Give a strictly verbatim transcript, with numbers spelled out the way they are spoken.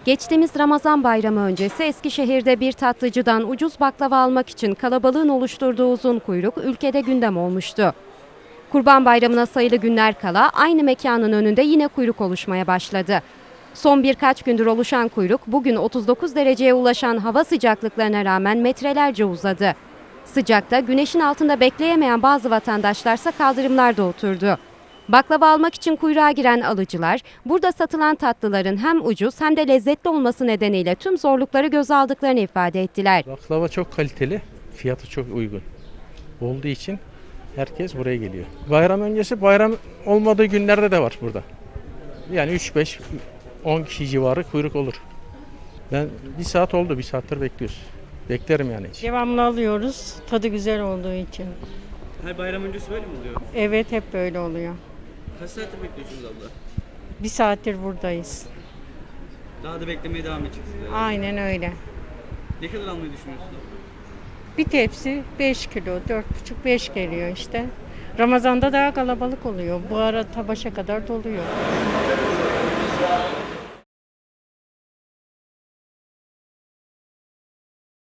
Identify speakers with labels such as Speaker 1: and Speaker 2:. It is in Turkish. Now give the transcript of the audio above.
Speaker 1: Geçtiğimiz Ramazan bayramı öncesi Eskişehir'de bir tatlıcıdan ucuz baklava almak için kalabalığın oluşturduğu uzun kuyruk ülkede gündem olmuştu. Kurban Bayramı'na sayılı günler kala aynı mekanın önünde yine kuyruk oluşmaya başladı. Son birkaç gündür oluşan kuyruk bugün otuz dokuz dereceye ulaşan hava sıcaklıklarına rağmen metrelerce uzadı. Sıcakta güneşin altında bekleyemeyen bazı vatandaşlarsa kaldırımlarda oturdu. Baklava almak için kuyruğa giren alıcılar, burada satılan tatlıların hem ucuz hem de lezzetli olması nedeniyle tüm zorlukları göze aldıklarını ifade ettiler.
Speaker 2: Baklava çok kaliteli, fiyatı çok uygun olduğu için herkes buraya geliyor. Bayram öncesi, bayram olmadığı günlerde de var burada. Yani üç beş on kişi civarı kuyruk olur. Ben bir saat oldu, bir saattir bekliyoruz. Beklerim yani hiç.
Speaker 3: Devamlı alıyoruz. Tadı güzel olduğu için.
Speaker 4: Her bayram öncesi böyle mi oluyor?
Speaker 3: Evet, hep böyle oluyor.
Speaker 4: Kaç saattir bekliyorsunuz abla?
Speaker 3: Bir saattir buradayız.
Speaker 4: Daha da beklemeye devam edeceksiniz. herhalde.
Speaker 3: Aynen öyle.
Speaker 4: Ne kadar almayı düşünüyorsunuz abla?
Speaker 3: Bir tepsi beş kilo, dört buçuk beş geliyor işte. Ramazan'da daha kalabalık oluyor. Bu ara ta başa kadar doluyor.